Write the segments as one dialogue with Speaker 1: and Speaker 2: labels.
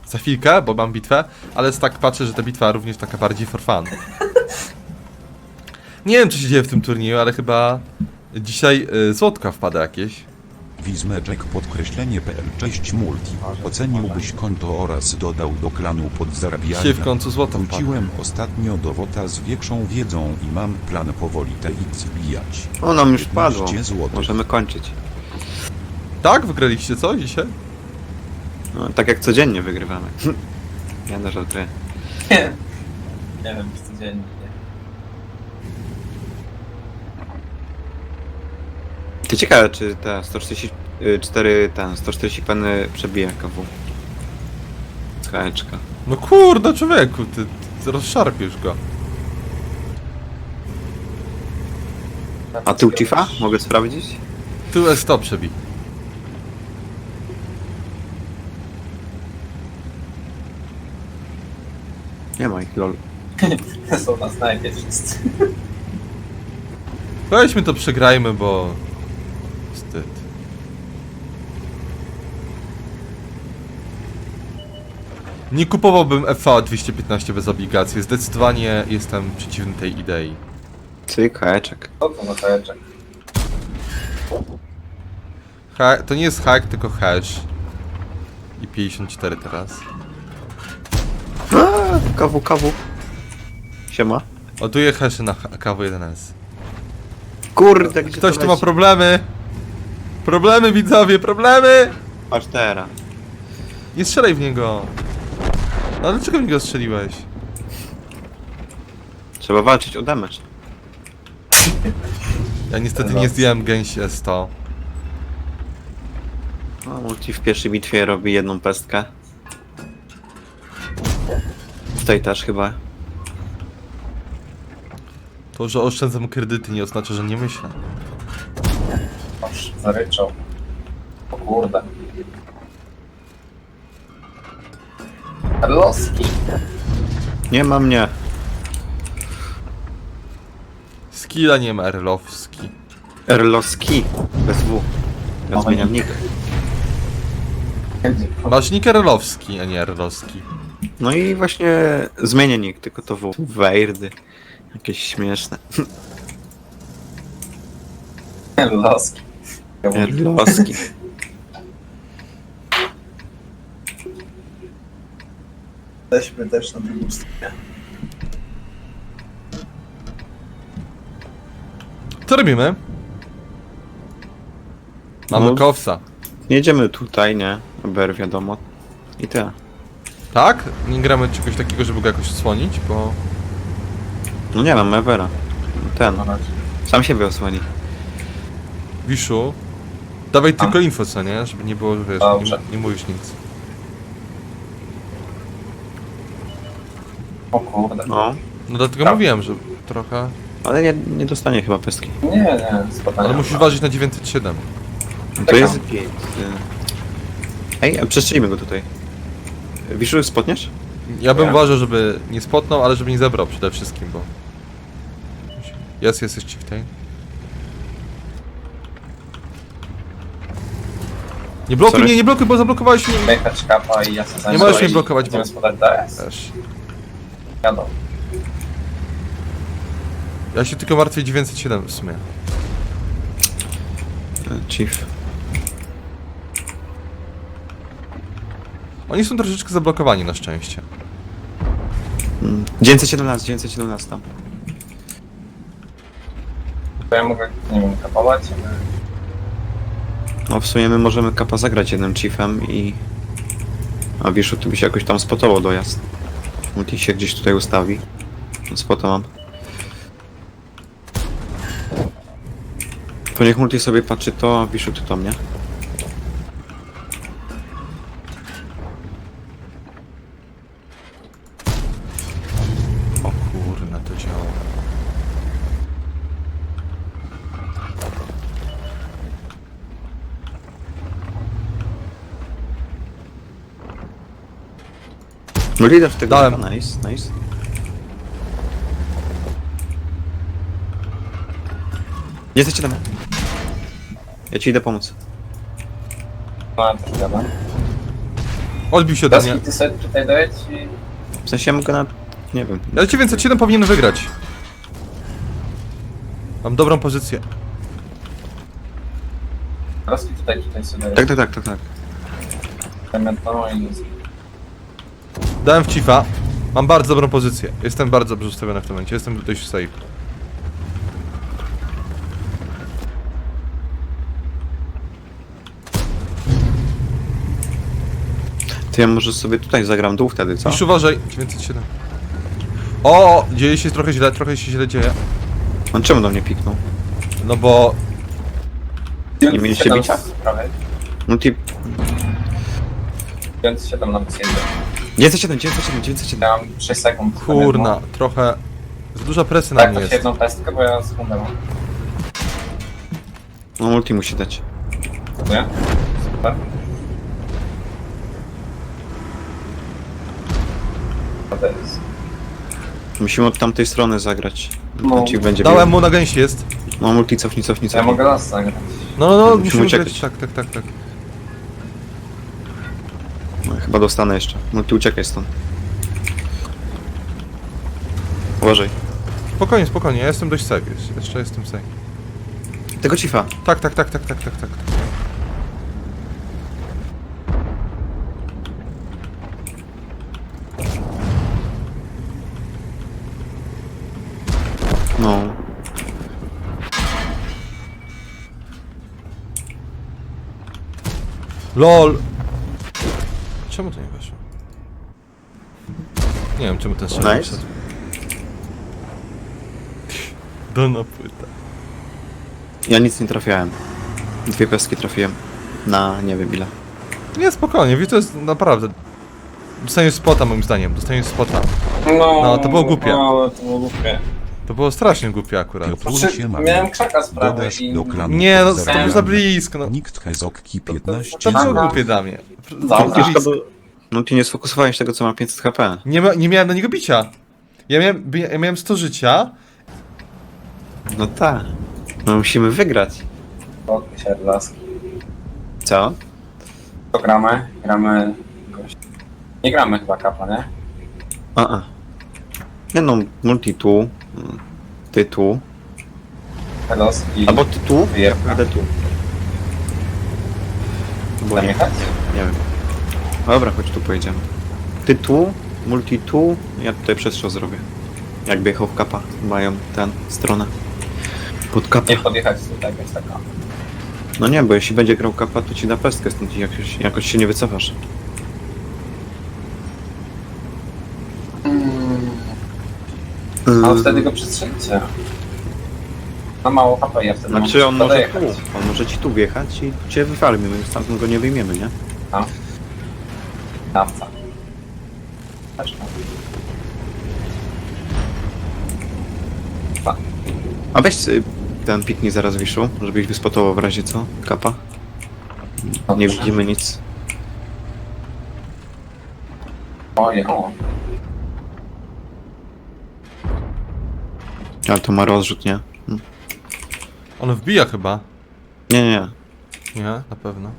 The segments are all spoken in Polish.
Speaker 1: za chwilkę, bo mam bitwę, ale tak patrzę, że ta bitwa również taka bardziej for fun. Nie wiem, co się dzieje w tym turnieju, ale chyba dzisiaj złotka wpada jakieś.
Speaker 2: Wizmeczek podkreślenie.pl. Cześć multi. Oceniłbyś konto oraz dodał do klanu pod zarabianie.
Speaker 1: Dzisiaj w końcu złoto wpada.
Speaker 2: Wróciłem ostatnio do WOTA z większą wiedzą i mam plan powoli TX wbijać.
Speaker 3: O, nam już padło.
Speaker 2: 15 złotych.
Speaker 3: Możemy kończyć.
Speaker 1: Tak? Wygraliście co dzisiaj?
Speaker 3: No, tak jak codziennie wygrywamy. Ja na żartuję.
Speaker 4: Nie wiem, czy codziennie.
Speaker 3: Ty ciekawe, czy te 144, 140 peny przebije KW. Skałeczka.
Speaker 1: No kurde, człowieku, ty rozszarpiesz go.
Speaker 3: A tył Chiefa? Mogę sprawdzić?
Speaker 1: Tu S100 przebij.
Speaker 3: Nie ma ich, lol.
Speaker 4: Są na snajpie wszyscy.
Speaker 1: Weźmy to przegrajmy, bo... Wstyd. Nie kupowałbym FA 215 bez obligacji. Zdecydowanie jestem przeciwny tej idei.
Speaker 3: Cyk, haeczek.
Speaker 4: Co to na kajeczek?
Speaker 1: To nie jest hack, tylko hash. I 54 teraz.
Speaker 3: KW. Siema.
Speaker 1: Ładuję hasze na KW1S.
Speaker 3: Kurde, gdzie
Speaker 1: Ktoś
Speaker 3: to
Speaker 1: tu ma
Speaker 3: leci?
Speaker 1: problemy! Problemy, widzowie, problemy!
Speaker 3: Patrz teraz.
Speaker 1: Nie strzelaj w niego! No dlaczego w niego strzeliłeś?
Speaker 3: Trzeba walczyć o damage.
Speaker 1: Ja niestety nie zdjąłem gęsi S100.
Speaker 3: No, multi w pierwszej bitwie robi jedną pestkę. Tutaj też chyba.
Speaker 1: To, że oszczędzam kredyty nie oznacza, że nie myślę.
Speaker 4: Aż zaryczał. O kurde. Loski.
Speaker 3: Nie ma mnie.
Speaker 1: Skilla nie ma, Erlowski.
Speaker 3: Erloski. Bez W. Ja zmieniam nick.
Speaker 1: Masz nick Erlowski, a nie Erlowski.
Speaker 3: No i właśnie zmienię nick, tylko to W. Wejrdy. Jakieś śmieszne.
Speaker 4: Loski.
Speaker 3: Erloski.
Speaker 4: Jesteśmy też na drugą stronę.
Speaker 1: Co robimy? Mamy
Speaker 3: No.
Speaker 1: kowsa.
Speaker 3: Jedziemy tutaj, nie? BR wiadomo. I tyle.
Speaker 1: Tak? Nie gramy czegoś takiego, żeby go jakoś odsłonić, bo...
Speaker 3: No nie mam Evera. Ten.
Speaker 4: Na razie.
Speaker 3: Sam siebie osłoni.
Speaker 1: Wiszu, dawaj tylko info, co nie? Żeby nie było, że wiesz,
Speaker 4: Dobrze.
Speaker 1: nie mówisz nic.
Speaker 4: O kurde.
Speaker 3: No.
Speaker 1: No dlatego
Speaker 4: Tak.
Speaker 1: mówiłem, że trochę...
Speaker 3: Ale nie dostanie chyba pestki.
Speaker 4: Nie, spadanie.
Speaker 1: Ale musisz ważyć na 907.
Speaker 3: To jest git. Ej, przestrzelimy go tutaj. Wiszu, spotniesz?
Speaker 1: Ja bym
Speaker 4: Ja.
Speaker 1: uważał, żeby nie spotnął, ale żeby nie zebrał przede wszystkim, bo... Jest Chieftain. Nie blokuj
Speaker 3: Sorry.
Speaker 1: mnie, nie blokuj, bo zablokowałeś mnie.
Speaker 4: Jechać kapa i ja sobie zajmę.
Speaker 1: Nie możesz mnie blokować, bo...
Speaker 4: Będziemy spodać DS.
Speaker 1: Też.
Speaker 4: Jadą.
Speaker 1: Ja się tylko martwię 907 w sumie.
Speaker 3: Chief.
Speaker 1: Oni są troszeczkę zablokowani na szczęście.
Speaker 3: 917 tam.
Speaker 4: To ja mogę, nie wiem, kapować.
Speaker 3: No w sumie my możemy kapa zagrać jednym chiefem i... A Wiszu, ty byś jakoś tam spotował dojazd. Multi się gdzieś tutaj ustawi. Spota mam. To niech Multi sobie patrzy to, a Wiszu ty to mnie.
Speaker 1: O kurna, to działa.
Speaker 3: No lider w tego.
Speaker 1: Dałem.
Speaker 3: Nice. Jesteście tam. Ja ci idę pomóc.
Speaker 4: No, też gadam.
Speaker 1: Odbił się ode mnie.
Speaker 4: Daski, ty sobie tutaj dojedź i...
Speaker 3: W sensie ja mogę na... nie wiem.
Speaker 1: Ale ci więcej 7 powinien wygrać. Mam dobrą pozycję.
Speaker 4: Daski tutaj sobie
Speaker 3: Tak.
Speaker 4: dojedź. No i...
Speaker 1: Dałem w Chiefa. Mam bardzo dobrą pozycję. Jestem bardzo dobrze ustawiony w tym momencie. Jestem dość safe.
Speaker 3: To ja może sobie tutaj zagram dół wtedy, co?
Speaker 1: Już uważaj. 907. O, dzieje się trochę się źle dzieje.
Speaker 3: On czemu do mnie piknął?
Speaker 1: No bo...
Speaker 3: Nie mieliście bicia?
Speaker 4: Prawie.
Speaker 3: Multi...
Speaker 4: 907 na wysiędzie.
Speaker 3: 907.
Speaker 4: Ja mam 6 sekund.
Speaker 1: Kurna, trochę... Za duża presja na
Speaker 4: Tak,
Speaker 1: mnie
Speaker 4: to
Speaker 1: jest.
Speaker 4: jedną pestkę, bo ja sekundę mam.
Speaker 3: No multi musi dać.
Speaker 4: Nie? Super. To jest...
Speaker 3: Musimy od tamtej strony zagrać.
Speaker 4: No.
Speaker 3: No. Ci będzie
Speaker 1: Dałem mu na gęsi jest.
Speaker 3: No multi cofnij.
Speaker 4: Ja mogę las zagrać.
Speaker 1: No,
Speaker 3: Musimy
Speaker 1: musimy
Speaker 3: uciekać.
Speaker 1: grać. Tak.
Speaker 3: No, chyba dostanę jeszcze. Multi uciekaj stąd. Uważaj.
Speaker 1: Spokojnie, ja jestem dość safe. Jeszcze jestem safe.
Speaker 3: Tego Chiefa.
Speaker 1: Tak.
Speaker 3: No.
Speaker 1: LOL! Czemu to nie weszło? Nie wiem, czemu ten strzał nie
Speaker 3: Nice.
Speaker 1: wszedł. Dolna płyta.
Speaker 3: Ja nic nie trafiałem. 2 pestki trafiłem. Na nie wiem ile.
Speaker 1: Nie, spokojnie, wiesz, to jest naprawdę... Dostaniesz spota moim zdaniem, No, to było głupie.
Speaker 4: No, to było głupie.
Speaker 1: To było strasznie głupie akurat.
Speaker 2: Piotr
Speaker 4: Znaczy,
Speaker 2: Siema.
Speaker 4: miałem krzaka z prawej
Speaker 2: Dodasz
Speaker 4: i...
Speaker 2: do klanu
Speaker 1: Nie, no to
Speaker 2: pozdrowienia.
Speaker 1: było za blisko, no.
Speaker 2: Nikt Hezokki 15.
Speaker 1: To było
Speaker 4: Aha.
Speaker 1: głupie dla mnie.
Speaker 4: Dobra.
Speaker 1: Za blisko.
Speaker 3: No ty nie sfokusowałeś tego co ma 500 HP.
Speaker 1: Nie miałem na niego bicia. Ja miałem 100 życia.
Speaker 3: No tak. No musimy wygrać.
Speaker 4: Odbył się laski.
Speaker 3: Co?
Speaker 4: To gramy? Gramy... gość. Nie gramy chyba kapa, nie?
Speaker 3: Nie no, multi tu. Ty tu.
Speaker 4: Pelos i...
Speaker 3: Albo ty tu?
Speaker 4: Wyjebka.
Speaker 3: Będę tu. Bo
Speaker 4: Tam
Speaker 3: nie,
Speaker 4: jechać?
Speaker 3: nie wiem. Dobra, chodź tu pojedziemy. Ty tu, multi tu, ja tutaj przestrzał zrobię. Jakby jechał w kapa, mają tę stronę. Pod kapa.
Speaker 4: Nie podjechać tutaj, jest taka.
Speaker 3: No nie, bo jeśli będzie grał kapa, to ci da pestkę, stąd jakoś się nie wycofasz.
Speaker 4: Ale wtedy go przestrzelicie. Na mało HP, ja wtedy
Speaker 3: Znaczy on
Speaker 4: mam
Speaker 3: może
Speaker 4: jechać.
Speaker 3: tu, on może ci tu wjechać i cię wyfarmi, my stamtąd go nie wyjmiemy, nie?
Speaker 4: Dawca. Też tak.
Speaker 3: A weź ten piknij zaraz Wiszu, żebyś wyspotował w razie co, kapa. Nie
Speaker 4: Dobrze.
Speaker 3: widzimy nic.
Speaker 4: O.
Speaker 3: Ale to ma rozrzut, nie?
Speaker 1: On wbija chyba.
Speaker 3: Nie.
Speaker 1: Nie, na pewno.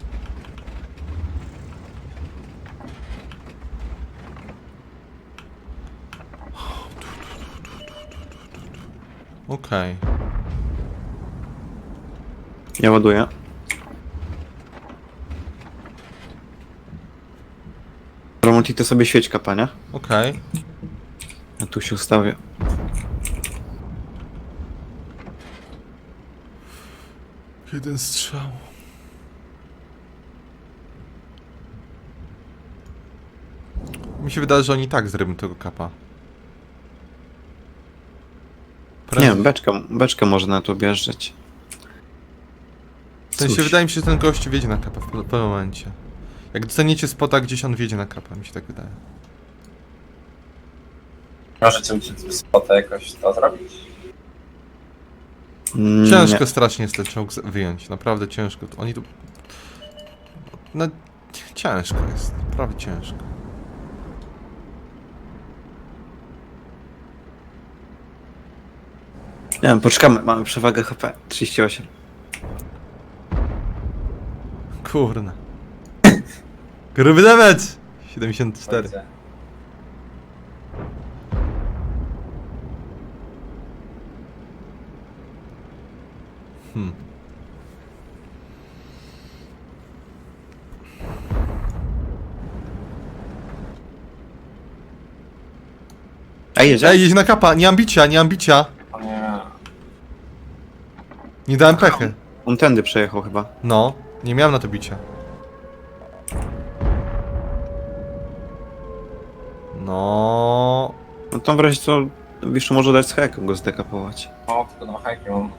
Speaker 1: Okej.
Speaker 3: Ja ładuję. Romonti to sobie świeć kapa, nie?
Speaker 1: Okej.
Speaker 3: Ja tu się ustawię.
Speaker 1: Jeden strzał. Mi się wydaje, że oni tak zrobią tego kapa.
Speaker 3: Nie wiem, beczkę może na to objeżdżać.
Speaker 1: W sensie
Speaker 3: Cóż.
Speaker 1: wydaje mi się, że ten gość wjedzie na kapa w pewnym momencie. Jak dostaniecie spota gdzieś, on wjedzie na kapa, mi się tak wydaje.
Speaker 4: Możecie uciec spota jakoś to zrobić?
Speaker 1: Ciężko strasznie jest ten czołg wyjąć, naprawdę ciężko. Oni tu... No, ciężko jest, naprawdę ciężko.
Speaker 3: Nie wiem, poczekamy, mamy przewagę HP. 38.
Speaker 1: Kurna. Gruby damage! 74.
Speaker 4: Widzę.
Speaker 3: Ej, jedzie?
Speaker 1: Ej, jedź na kapa, nie mam bicia, nie mam bicia.
Speaker 4: O nie.
Speaker 1: Nie dałem pechy.
Speaker 3: On tędy przejechał chyba.
Speaker 1: No, nie miałem na to bicia. No.
Speaker 3: No to w razie co, Wiszu może dać z heką go zdekapować.
Speaker 4: O, tylko 2 hajki mam.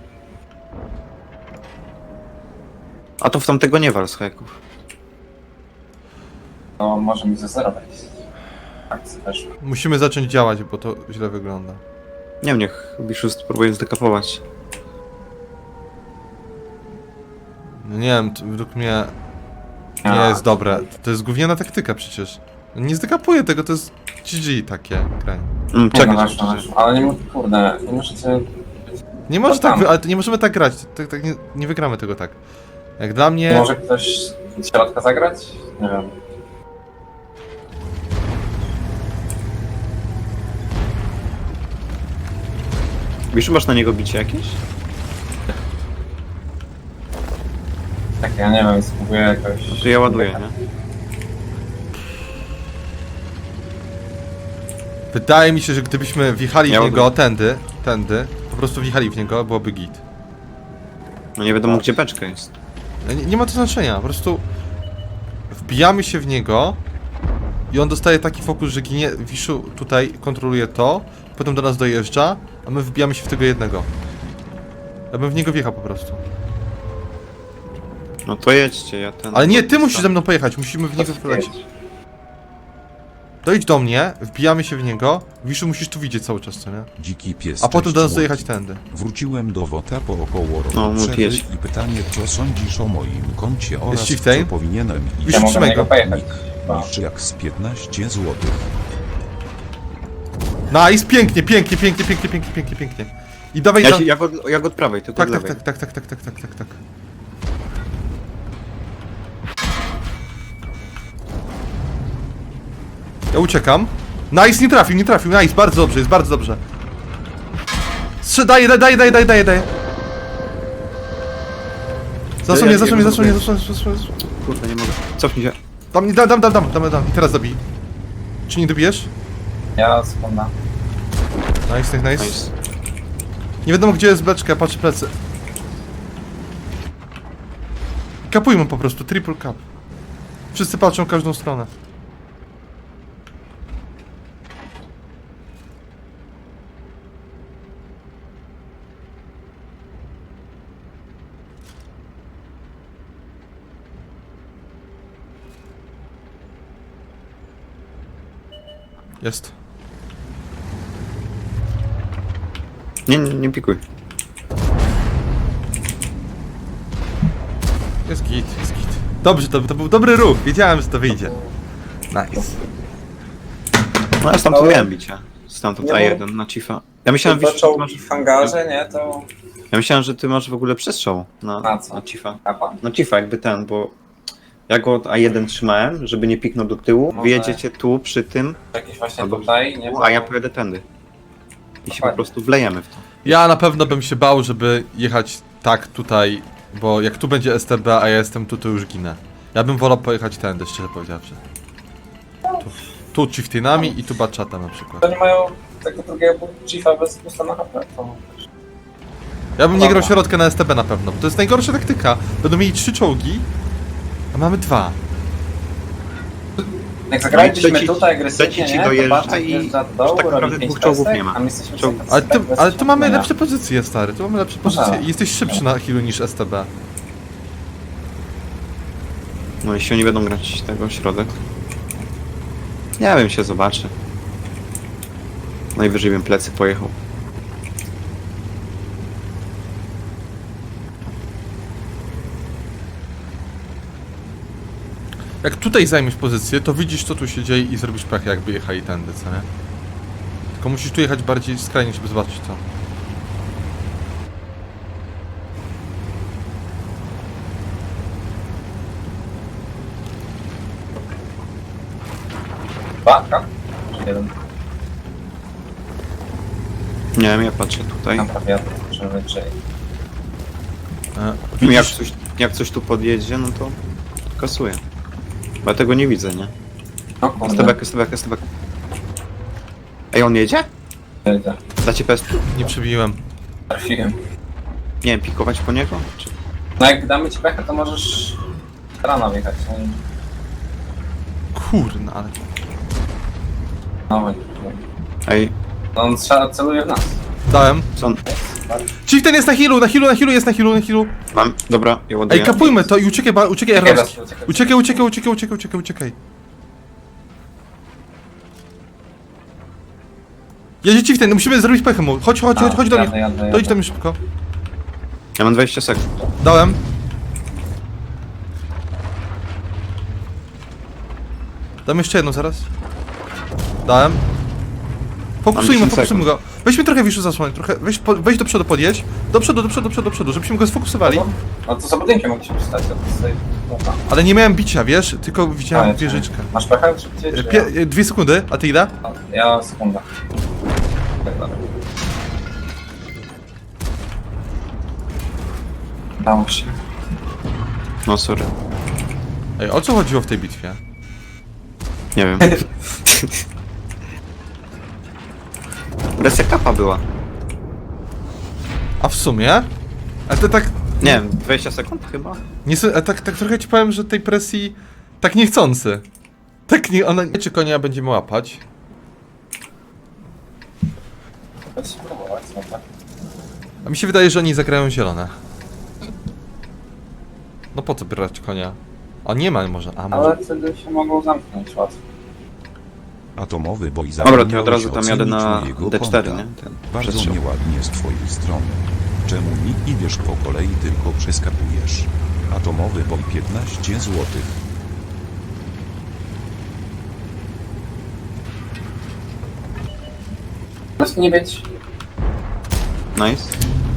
Speaker 3: A to w tamtego nie wal z heków.
Speaker 4: To może mi ze 0 wejść. Tak, też.
Speaker 1: Musimy zacząć działać, bo to źle wygląda.
Speaker 3: Nie wiem, niech Wiszu spróbuje zdekapować.
Speaker 1: No nie wiem, to według mnie nie jest dobre. To jest gówniana taktyka przecież. Nie zdekapuję tego, to jest GG takie granie.
Speaker 3: Czekaj,
Speaker 4: No, ale nie, kurde, nie możecie...
Speaker 1: Nie może
Speaker 4: To
Speaker 1: tak,
Speaker 4: tam.
Speaker 1: ale nie możemy tak grać. Tak nie wygramy tego tak. Jak dla mnie.
Speaker 4: Może ktoś z środka zagrać? Nie wiem.
Speaker 3: Wiszu, masz na niego bicie jakieś?
Speaker 4: Tak, ja nie wiem, spróbuję jakoś...
Speaker 3: No to ja ładuję, nie?
Speaker 1: Wydaje mi się, że gdybyśmy wjechali w
Speaker 3: Ja
Speaker 1: niego
Speaker 3: ładuję.
Speaker 1: tędy, po prostu wjechali w niego, byłoby git.
Speaker 3: No nie wiadomo gdzie beczka jest.
Speaker 1: Nie ma to znaczenia, po prostu wbijamy się w niego i on dostaje taki fokus, że ginie. Wiszu tutaj kontroluje to, potem do nas dojeżdża, a my wbijamy się w tego jednego. Ja bym w niego wjechał po prostu.
Speaker 3: No to jedźcie, ja ten...
Speaker 1: Ale nie, ty musisz ze mną pojechać, musimy w niego wlecieć. Dojdź do mnie, wbijamy się w niego. Wiszu, musisz tu widzieć cały czas, co nie?
Speaker 2: Dziki pies.
Speaker 1: A potem
Speaker 2: cześć,
Speaker 1: do nas
Speaker 2: Multi.
Speaker 1: dojechać tędy.
Speaker 2: Wróciłem do WOTA po około roku
Speaker 3: No, Multi
Speaker 2: przerwy
Speaker 3: jedź.
Speaker 2: i pytanie, co sądzisz o moim koncie oraz
Speaker 1: Shiftain?
Speaker 2: co powinienem
Speaker 1: Już
Speaker 2: iść
Speaker 4: Ja mogę na
Speaker 1: trzymaj
Speaker 4: niego
Speaker 1: go.
Speaker 4: pojechać. Chyba.
Speaker 2: niż jak z 15 zł.
Speaker 1: Nice, pięknie, pięknie, pięknie, pięknie, pięknie, pięknie, pięknie. I dawaj
Speaker 3: Ja,
Speaker 1: tam.
Speaker 3: jak od prawej, tylko
Speaker 1: Tak,
Speaker 3: od
Speaker 1: tak,
Speaker 3: lewej.
Speaker 1: tak, tak, tak, tak, tak, tak, tak, tak. Ja uciekam. Nice, nie trafił, nice, bardzo dobrze, jest bardzo dobrze. Daję. Zasłoń mnie.
Speaker 3: Kurde, nie mogę. Cofnij się.
Speaker 1: Dam. I teraz dobij. Czy nie dobijesz?
Speaker 4: Ja sekunda.
Speaker 1: Nice.
Speaker 3: Nice.
Speaker 1: Nie wiadomo gdzie jest beczka, patrzę plecy. Kapujmy po prostu, triple cap. Wszyscy patrzą w każdą stronę. Jest.
Speaker 3: Nie pikuj.
Speaker 1: Jest git. Dobrze, to był dobry ruch. Wiedziałem, że to wyjdzie. Nice.
Speaker 3: No ja stamtąd
Speaker 4: Ale-
Speaker 3: miałem bicie. Stamtąd
Speaker 4: Nie,
Speaker 3: A1 na Chiefa. Ja myślałem,
Speaker 4: Jak
Speaker 3: Wiszu, że ty
Speaker 4: zaczął
Speaker 3: masz...
Speaker 4: w hangarze, nie, to...
Speaker 3: Ja myślałem, że ty masz w ogóle przestrzał
Speaker 4: Na co?
Speaker 3: na Chiefa.
Speaker 4: Kapa?
Speaker 3: No Chiefa jakby ten, bo ja go od A1 trzymałem, żeby nie piknął do tyłu.
Speaker 4: Może-
Speaker 3: Wyjedziecie tu przy tym,
Speaker 4: Jakiś właśnie
Speaker 3: Albo-
Speaker 4: tutaj, nie?
Speaker 3: a ja pojadę tędy. I się po
Speaker 4: Dokładnie.
Speaker 3: prostu wlejemy w to.
Speaker 1: Ja na pewno bym się bał, żeby jechać tak tutaj, bo jak tu będzie STB, a ja jestem tu, to już ginę. Ja bym wolał pojechać tędy, szczerze powiedziawszy. Tu chieftainami i tu bachatem na przykład.
Speaker 4: To nie mają tego drugiego chiefa bez pusta na HP, to...
Speaker 1: Ja bym nie grał
Speaker 4: Dobra.
Speaker 1: środka na STB na pewno, bo to jest najgorsza taktyka. Będą mieli 3 czołgi, a mamy 2.
Speaker 4: Jak zagralibyśmy
Speaker 3: Leci-
Speaker 4: tutaj agresywnie,
Speaker 3: leci ci
Speaker 4: nie,
Speaker 3: dojeżdża
Speaker 4: to patrz,
Speaker 3: i
Speaker 4: wjeżdża do dołu,
Speaker 3: tak naprawdę
Speaker 4: robi 5
Speaker 3: dwóch czołgów
Speaker 4: pestek,
Speaker 3: nie ma.
Speaker 4: a my jesteśmy
Speaker 3: Czołg-
Speaker 4: sobie
Speaker 1: Ale tu mamy
Speaker 4: bez
Speaker 1: lepsze pozycje, stary. Tu mamy lepsze pozycje
Speaker 4: Aha.
Speaker 1: i jesteś szybszy na healu niż STB.
Speaker 3: No jeśli oni będą grać tego środek. Nie wiem, się zobaczy. Najwyżej bym plecy pojechał.
Speaker 1: Jak tutaj zajmiesz pozycję, to widzisz co tu się dzieje i zrobisz pech, jakby jechali tędy, co nie? Tylko musisz tu jechać bardziej skrajnie, żeby zobaczyć to.
Speaker 4: Dwa, tak? Czy jeden?
Speaker 3: Nie wiem, ja patrzę tutaj.
Speaker 4: Tam prawie jadę, żeby czy...
Speaker 3: No jak coś tu podjedzie, no to kasuję. Bo ja tego nie widzę, nie?
Speaker 4: No kurde,
Speaker 3: Stebek. Ej, on jedzie?
Speaker 4: jedzie.
Speaker 3: Dacie pest?
Speaker 1: Nie przebiłem.
Speaker 4: Trafiłem.
Speaker 3: Nie wiem, pikować po niego? Czy...
Speaker 4: No jak damy ci pechę, to możesz... rana wjechać.
Speaker 1: Kurna, ale...
Speaker 4: No, no,
Speaker 3: Ej,
Speaker 4: no on celuje w nas.
Speaker 1: Dałem.
Speaker 3: co on...
Speaker 1: Chieftain jest na healu, jest na healu.
Speaker 3: Mam, dobra, ja ładuję.
Speaker 1: Ej, kapujmy to i uciekaj, uciekaj Errowski.
Speaker 4: Uciekaj.
Speaker 1: Uciekaj. Jedzie Chieftain, musimy zrobić pechę mu. Chodź do mnie.
Speaker 4: Jadę.
Speaker 1: Dojdź do mnie szybko.
Speaker 3: Ja mam 20 sekund.
Speaker 1: Dałem. Dam jeszcze jedną zaraz. Dałem. Fokusujmy
Speaker 3: Mam 10
Speaker 1: go. Weźmy trochę Wiszu zasłonić, trochę. Weź do przodu, podjedź. Do przodu, żebyśmy go sfokusowali.
Speaker 4: No to za budynkiem mogliśmy stać, to tutaj... Dobra.
Speaker 1: Ale nie miałem bicia, wiesz? Tylko widziałem wieżyczkę.
Speaker 4: Masz pechę szybciej, czy ja?
Speaker 1: 2 sekundy, a ty ile?
Speaker 4: No, ja sekunda. Tak dalej. Dało się.
Speaker 3: No sorry.
Speaker 1: Ej, o co chodziło w tej bitwie?
Speaker 3: Nie wiem. Presja kapa była.
Speaker 1: A w sumie? Ale to tak...
Speaker 3: Nie wiem, 20 sekund chyba?
Speaker 1: Nie, tak trochę ci powiem, że tej presji... Tak niechcący. Tak nie... Ona... Czy konia będziemy łapać?
Speaker 4: Chcę spróbować, no tak.
Speaker 1: A mi się wydaje, że oni zagrają zielone. No po co brać konia? A nie ma może, a może...
Speaker 4: Ale wtedy się mogą zamknąć łatwo.
Speaker 2: Atomowy boj
Speaker 3: Dobra, to ja od razu
Speaker 2: zapomniałeś
Speaker 3: tam jadę na
Speaker 2: ocenić mojego
Speaker 3: D4,
Speaker 2: konta.
Speaker 3: nie? Ten
Speaker 2: Bardzo
Speaker 3: przestrzał.
Speaker 2: nieładnie z twojej strony. Czemu nie idziesz po kolei, tylko przeskakujesz? Atomowy boj 15 zł.
Speaker 4: Po prostu nie być.
Speaker 3: Nice.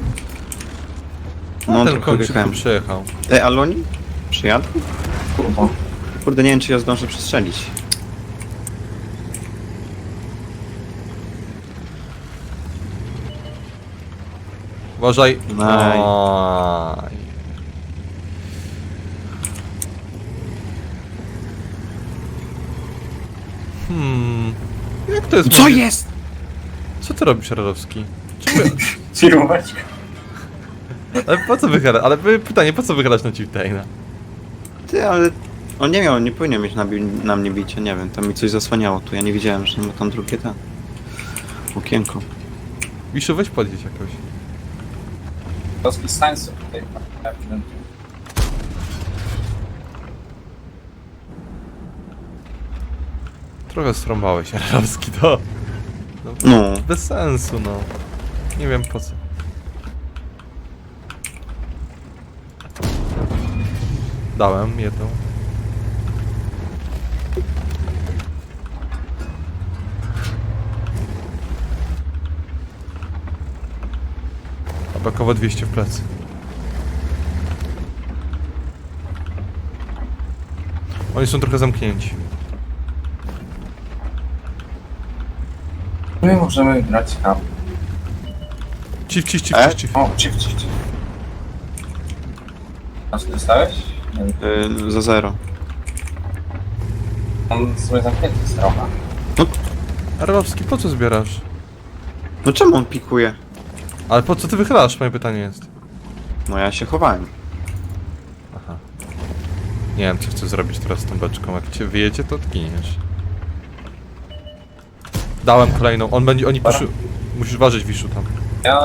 Speaker 3: No,
Speaker 1: Ten
Speaker 3: trochę
Speaker 1: kończyk tu
Speaker 3: wjechałem.
Speaker 1: przyjechał.
Speaker 3: Ej, ale oni? Przyjadą?
Speaker 4: Kurwa.
Speaker 3: Kurde, nie wiem, czy ja zdążę przestrzelić.
Speaker 1: Uważaj.
Speaker 3: Aj.
Speaker 1: Aj. Jak to jest?
Speaker 3: Co jest?
Speaker 1: Co ty robisz, Radowski? Czemu...
Speaker 4: Firmować.
Speaker 1: Ale po co wychylasz? Ale pytanie, po co wychylasz na Chieftaina?
Speaker 3: Ty, ale... On nie miał, nie powinien mieć na mnie bicia, nie wiem, tam mi coś zasłaniało tu, ja nie widziałem, że ma tam drugie ten... Okienko.
Speaker 1: Wiszu, weź podjedź jakoś.
Speaker 4: Polski stańców tutaj.
Speaker 1: Trochę strąbałeś, Radowski, to...
Speaker 3: No.
Speaker 1: Bez sensu, no. Nie wiem po co. Dałem jedną. A bakowo 200 w plecy. Oni są trochę zamknięci.
Speaker 4: My możemy grać hub.
Speaker 1: Ciw.
Speaker 4: O, ciff. A co dostałeś? Nie wiem.
Speaker 3: Za 0.
Speaker 4: On sobie zamknięty jest trochę.
Speaker 1: Arłowski, po co zbierasz?
Speaker 3: No czemu on pikuje?
Speaker 1: Ale po co ty wychylasz? Moje pytanie jest.
Speaker 3: No ja się chowałem.
Speaker 1: Aha. Nie wiem, co chcę zrobić teraz z tą beczką. Jak cię wyjedzie, to odginiesz. Dałem kolejną. Oni poszły... Musisz ważyć Wiszu tam.
Speaker 4: Ja...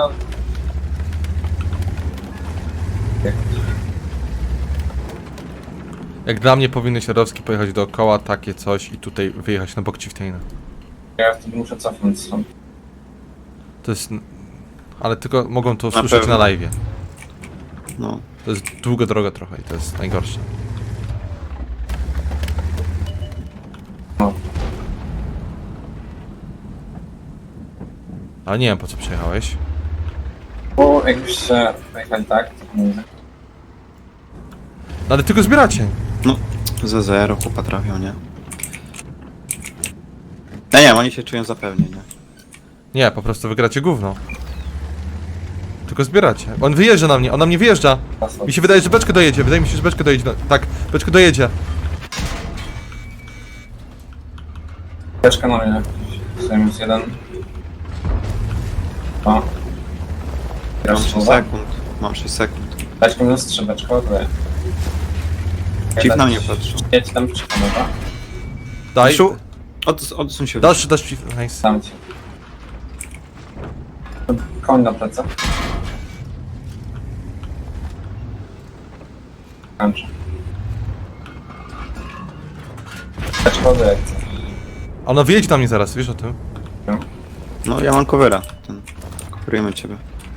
Speaker 1: Jak dla mnie powinny Radowski pojechać dookoła, takie coś i tutaj wyjechać na bok Chieftaina.
Speaker 4: Ja wtedy muszę cofnąć stąd.
Speaker 1: To jest... Ale tylko mogą to
Speaker 3: Na
Speaker 1: usłyszeć
Speaker 3: pewno.
Speaker 1: na live'ie.
Speaker 3: No.
Speaker 1: To jest długa droga trochę i to jest najgorsze.
Speaker 4: No.
Speaker 1: Ale nie wiem, po co przyjechałeś.
Speaker 4: Bo jakbyście pojechali tak, to nie wiem.
Speaker 1: No ale tylko zbieracie.
Speaker 3: No, za 0 chłopa trafią, nie? Nie, oni się czują zapewnie, nie?
Speaker 1: Nie, po prostu wygracie gówno. Tylko zbieracie. On wyjeżdża na mnie, on na mnie wyjeżdża. Mi się wydaje, że beczkę dojedzie, wydaje mi się, że beczkę dojedzie. No, tak, beczkę dojedzie.
Speaker 4: Beczka na mnie. Minus 1. O.
Speaker 3: Mam 6 sekund. Mam 6 sekund.
Speaker 4: Beczka minus 3, beczka ładuje.
Speaker 3: Chief na mnie patrzy.
Speaker 4: Jedź tam przy dobra?
Speaker 1: Daj.
Speaker 3: Miszu, odsuń się.
Speaker 1: Dasz, nice.
Speaker 4: Dam ci. Koń na plecach. Kończę. Beczka ładuje jak chcesz.
Speaker 1: Ona wyjedzie na mnie zaraz, wiesz o tym?
Speaker 3: No ja mam covera. Coverujemy ciebie.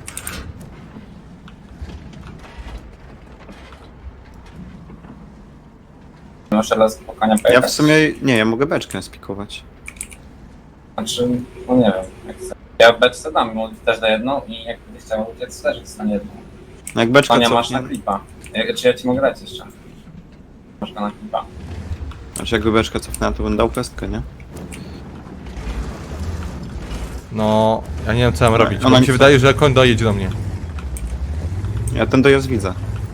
Speaker 4: Muszę raz po konia
Speaker 3: Ja
Speaker 4: pojechać.
Speaker 3: w sumie... Nie, ja mogę beczkę spikować.
Speaker 4: Znaczy, no nie wiem, jak chcę. Ja beczce dam, bo też da jedną i jak będziesz chciał uciec, też dostanie jedną.
Speaker 3: No jak beczka
Speaker 4: Konia masz na
Speaker 3: cofnie...
Speaker 4: klipa. Czy ja ci mogę dać jeszcze? Masz go na klipa.
Speaker 3: Znaczy jakby beczka cofnęła, to bym dał pestkę, nie?
Speaker 1: No, ja nie wiem co mam robić, bo
Speaker 3: ona
Speaker 1: mi
Speaker 3: mi
Speaker 1: się
Speaker 3: co-
Speaker 1: wydaje, że koń dojedzie do mnie.
Speaker 3: Ja ten dojazd widzę.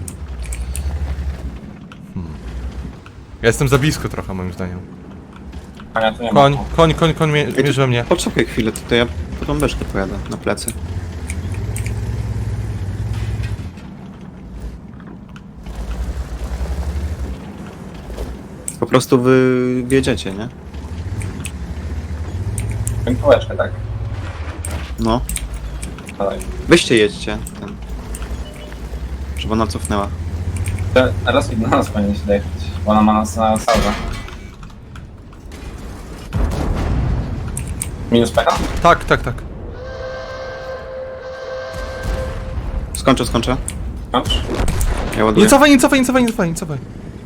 Speaker 1: Ja jestem za blisko trochę, moim zdaniem.
Speaker 4: Konia tu nie ma.
Speaker 1: Koń mierzy we mnie.
Speaker 3: Poczekaj chwilę, to ja po tą beczkę pojadę na plecy. Po prostu wy wiedziecie, nie?
Speaker 4: Piękóweczkę, tak.
Speaker 3: No.
Speaker 4: Dalej.
Speaker 3: Wyście jedźcie. Ten. Żeby ona cofnęła.
Speaker 4: Raz do nas powinien się dojechać, bo ona ma nas na salwę. Minus pecha?
Speaker 1: Tak.
Speaker 3: Skończę.
Speaker 4: Kończ?
Speaker 3: Ja ładuję.
Speaker 1: Nie cofaj.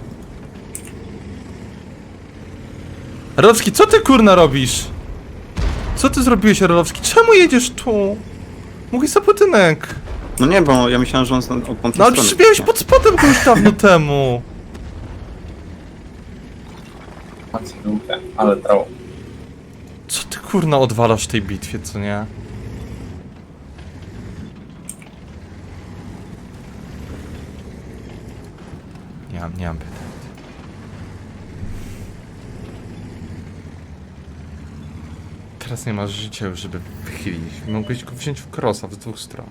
Speaker 1: Rolowski, co ty kurna robisz? Co ty zrobiłeś, Rolowski? Czemu jedziesz tu? Mógłbyś za budynek.
Speaker 3: No nie, bo ja myślałem, że on od tamtej
Speaker 1: No ale
Speaker 3: strony
Speaker 1: przecież miałeś
Speaker 3: nie.
Speaker 1: pod spodem go już dawno temu.
Speaker 4: Macie dupę, ale trał.
Speaker 1: Co ty kurna odwalasz w tej bitwie, co nie? Nie mam pytań. Teraz nie masz życia już, żeby wychylić. Mogłeś go wziąć w krosa z dwóch stron.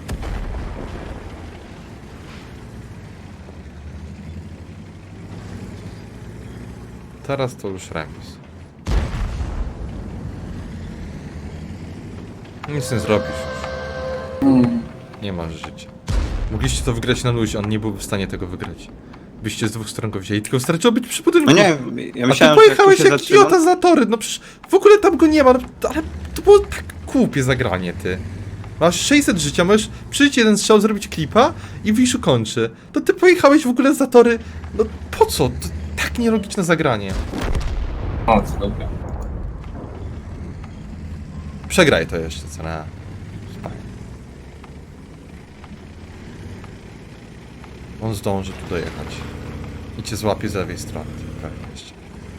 Speaker 1: Teraz to już remis. Nic nie zrobisz już. Nie masz życia. Mogliście to wygrać na luzie, on nie byłby w stanie tego wygrać. Byście z dwóch stron go wzięli, tylko starczyło być przy budynku.
Speaker 3: No nie, ja
Speaker 1: A
Speaker 3: myślałem,
Speaker 1: ty
Speaker 3: że jak tu
Speaker 1: pojechałeś
Speaker 3: się
Speaker 1: jak
Speaker 3: zatrzyma...
Speaker 1: idiota za tory, no przecież w ogóle tam go nie ma, no, ale to było tak głupie zagranie, ty. Masz 600 życia, możesz przyjść jeden strzał, zrobić klipa i Wiszu kończy. To ty pojechałeś w ogóle za tory, no po co? To tak nielogiczne zagranie.
Speaker 4: O, co dupę.
Speaker 1: Przegraj to jeszcze, co na... On zdąży tu dojechać. I cię złapie z lewej strony, pewnie jeszcze.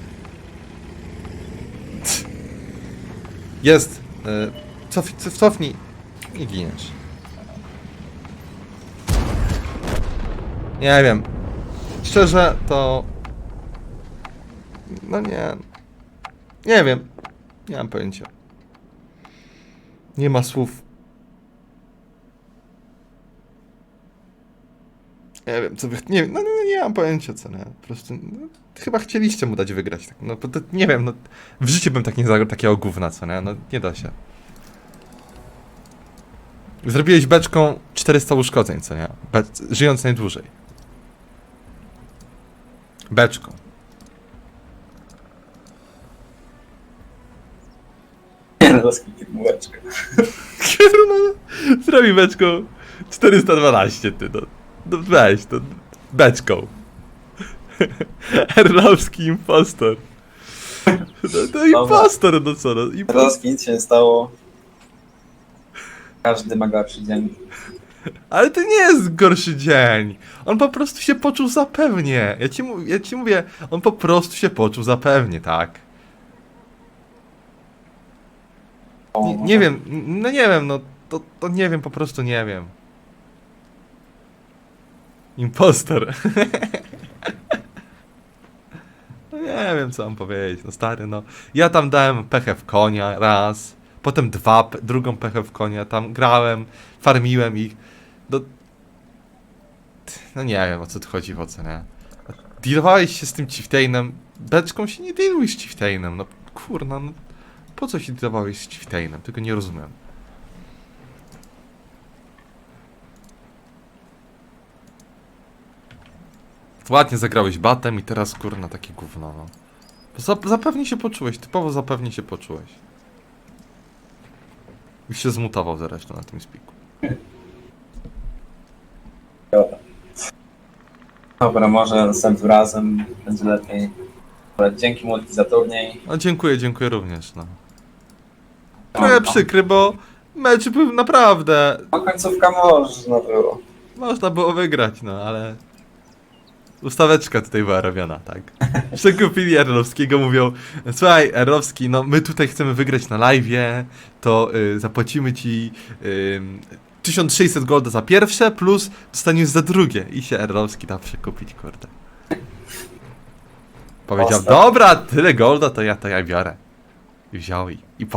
Speaker 1: Jest! Cofnij i giniesz. Nie wiem. Szczerze to... No nie... Nie wiem. Nie mam pojęcia. Nie ma słów. Nie wiem, co wy... Nie, nie mam pojęcia, co nie. Po prostu... No, chyba chcieliście mu dać wygrać. Tak. No, bo to, nie wiem, no... W życiu bym tak nie zagrał takiego gówna, co nie? No, nie da się. Zrobiłeś beczką 400 uszkodzeń, co nie? Żyjąc najdłużej. Beczką.
Speaker 4: Rozklik bułeczkę.
Speaker 1: No, zrobi beczką 412, ty, no. No weź, to beczką. Erlowski impostor. No impostor, no co, no.
Speaker 4: Rozklik nic się nie stało. Każdy ma gorszy dzień.
Speaker 1: Ale to nie jest gorszy dzień. On po prostu się poczuł zapewnie. Ja ci mówię, on po prostu się poczuł zapewnie, tak. Nie wiem, no nie wiem, no to nie wiem, po prostu nie wiem. Impostor. No nie wiem, co mam powiedzieć, no stary, no. Ja tam dałem pechę w konia raz, potem drugą pechę w konia, tam grałem, farmiłem ich. No nie wiem, o co tu chodzi w ocenie. Dealowałeś się z tym Chieftainem, beczką się nie dealuj z Chieftainem, no kurna, no. Po co się dealowałeś z Chieftainem? Tego nie rozumiem. Ładnie zagrałeś batem i teraz kurna takie gówno, no. Zapewnie się poczułeś, typowo zapewnie się poczułeś. Już się zmutował zresztą na tym spiku.
Speaker 4: Dobra, może następnym razem będzie lepiej. Ale dzięki Multi za turniej.
Speaker 1: No dziękuję również, no. Trochę przykry, bo mecz był naprawdę...
Speaker 4: No końcówka można było.
Speaker 1: Można było wygrać, no ale... Ustaweczka tutaj była robiona, tak? Przekupili Erlowskiego, mówią: słuchaj, Erlowski, no my tutaj chcemy wygrać na live'ie, to zapłacimy ci 1600 golda za pierwsze, plus dostaniesz za drugie. I się Erlowski da przekupić, kurde. Powiedział:
Speaker 4: Ostro.
Speaker 1: dobra, tyle golda, to ja biorę. I wziął i